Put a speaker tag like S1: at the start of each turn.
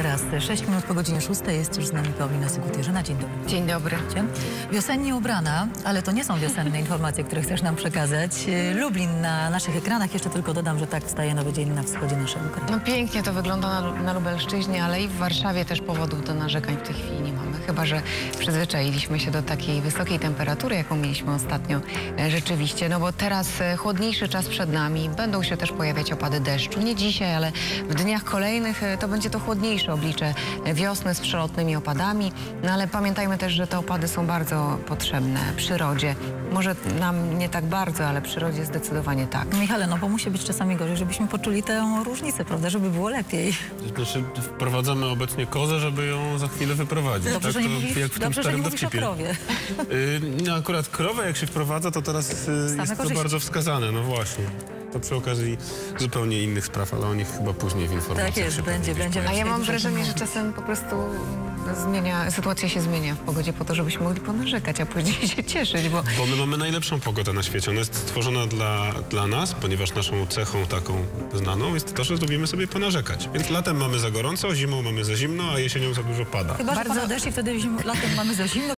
S1: teraz 6 minut po godzinie 6 jest już z nami Paulina Sygutierzyna. Dzień dobry.
S2: Dzień dobry.
S1: Wiosennie ubrana, ale to nie są wiosenne informacje, które chcesz nam przekazać. Lublin na naszych ekranach. Jeszcze tylko dodam, że tak wstaje nowy dzień na wschodzie naszego kraju.
S2: No pięknie to wygląda na Lubelszczyźnie, ale i w Warszawie też powodów do narzekań w tej chwili nie mamy. Chyba że przyzwyczailiśmy się do takiej wysokiej temperatury, jaką mieliśmy ostatnio rzeczywiście. No bo teraz chłodniejszy czas przed nami. Będą się też pojawiać opady deszczu. Nie dzisiaj, ale w dniach kolejnych to będzie to chłodniejsze oblicze wiosny z przelotnymi opadami. No ale pamiętajmy też, że te opady są bardzo potrzebne przyrodzie. Może nam nie tak bardzo, ale przyrodzie zdecydowanie tak.
S1: Michale, no bo musi być czasami gorzej, żebyśmy poczuli tę różnicę, prawda, żeby było lepiej.
S3: Znaczy, wprowadzamy obecnie kozę, żeby ją za chwilę wyprowadzić.
S1: Dobrze,
S3: tak?
S1: że nie mówisz,
S3: Jak w tym
S1: dobrze, że nie
S3: starym
S1: mówisz o
S3: dowcipie.
S1: krowie.
S3: No akurat krowę jak się wprowadza, to teraz jest to
S1: korzyści.
S3: bardzo wskazane, no właśnie. To przy okazji zupełnie innych spraw, ale o nich chyba później w informacjach
S1: Tak jest,
S3: się
S1: będzie.
S2: A ja mam
S1: Dużo
S2: wrażenie, że
S1: mówić.
S2: czasem po prostu sytuacja się zmienia w pogodzie po to, żebyśmy mogli ponarzekać, a później się cieszyć, bo
S3: Bo my mamy najlepszą pogodę na świecie. Ona jest stworzona dla nas, ponieważ naszą cechą taką znaną jest to, że lubimy sobie ponarzekać. Więc latem mamy za gorąco, zimą mamy za zimno, a jesienią za dużo pada.
S1: Chyba, że pada deszcz i wtedy latem mamy za zimno,